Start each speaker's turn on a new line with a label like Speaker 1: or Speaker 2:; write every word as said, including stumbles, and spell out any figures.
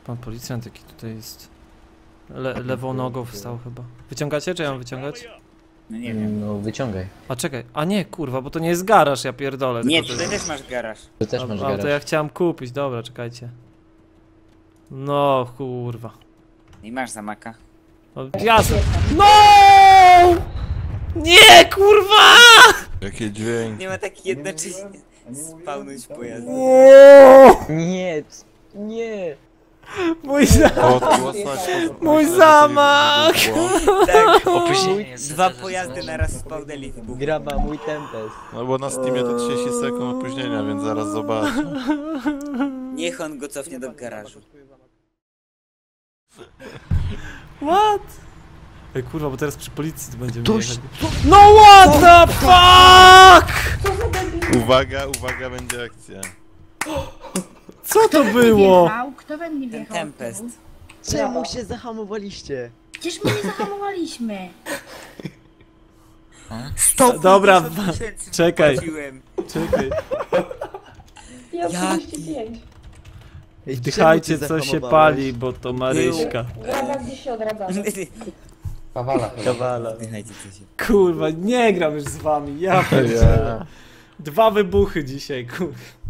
Speaker 1: Pan policjant jaki tutaj jest. Le lewą nogą wstał chyba. Wyciągacie, czy ja mam wyciągać?
Speaker 2: No nie wiem.
Speaker 3: No wyciągaj.
Speaker 1: A czekaj, a nie kurwa, bo to nie jest garaż, ja pierdolę.
Speaker 2: Nie,
Speaker 1: tylko to
Speaker 2: tutaj
Speaker 1: jest...
Speaker 2: też masz garaż.
Speaker 3: Ty też
Speaker 1: A,
Speaker 3: masz
Speaker 1: a,
Speaker 3: garaż.
Speaker 1: to ja chciałem kupić, dobra, czekajcie. No kurwa.
Speaker 2: I masz zamaka.
Speaker 1: No, jasne. No! Nie kurwa!
Speaker 4: Jakie dźwięki.
Speaker 2: Nie ma tak jednocześnie spawnuć pojazdu.
Speaker 3: Nie, nie.
Speaker 1: Mój zamach! Mój zamach!
Speaker 2: Tak,
Speaker 5: Opóźnienie jest
Speaker 2: dwa
Speaker 5: za- za-
Speaker 2: pojazdy naraz spawnęli w buchu.
Speaker 3: Graba, mój Tempest.
Speaker 4: No bo na Steamie to trzydzieści sekund opóźnienia, więc zaraz zobaczę.
Speaker 2: Niech on go cofnie do garażu.
Speaker 1: What? Ej kurwa, bo teraz przy policji to będziemy jechać. No what the fuck!
Speaker 4: Uwaga, uwaga, będzie akcja.
Speaker 1: Co to było?
Speaker 6: Wjechał? Kto we mnie
Speaker 2: Ten
Speaker 6: wjechał?
Speaker 2: Tempest.
Speaker 3: Czemu się zahamowaliście?
Speaker 6: Przecież my nie zahamowaliśmy.
Speaker 2: sto
Speaker 1: Dobra,
Speaker 2: pięćdziesiąt tysięcy
Speaker 1: czekaj.
Speaker 2: zapłaciłem.
Speaker 1: Czekaj.
Speaker 7: Ja
Speaker 2: Jaki?
Speaker 7: trzydzieści pięć.
Speaker 1: Wdychajcie co się pali, bo to Maryśka.
Speaker 7: Graba gdzieś się odradzamy.
Speaker 3: Kawala. Kawala.
Speaker 2: Dychajcie co się.
Speaker 1: Kurwa, nie gram już z wami, ja pierdzielę. Dwa wybuchy dzisiaj, kurwa.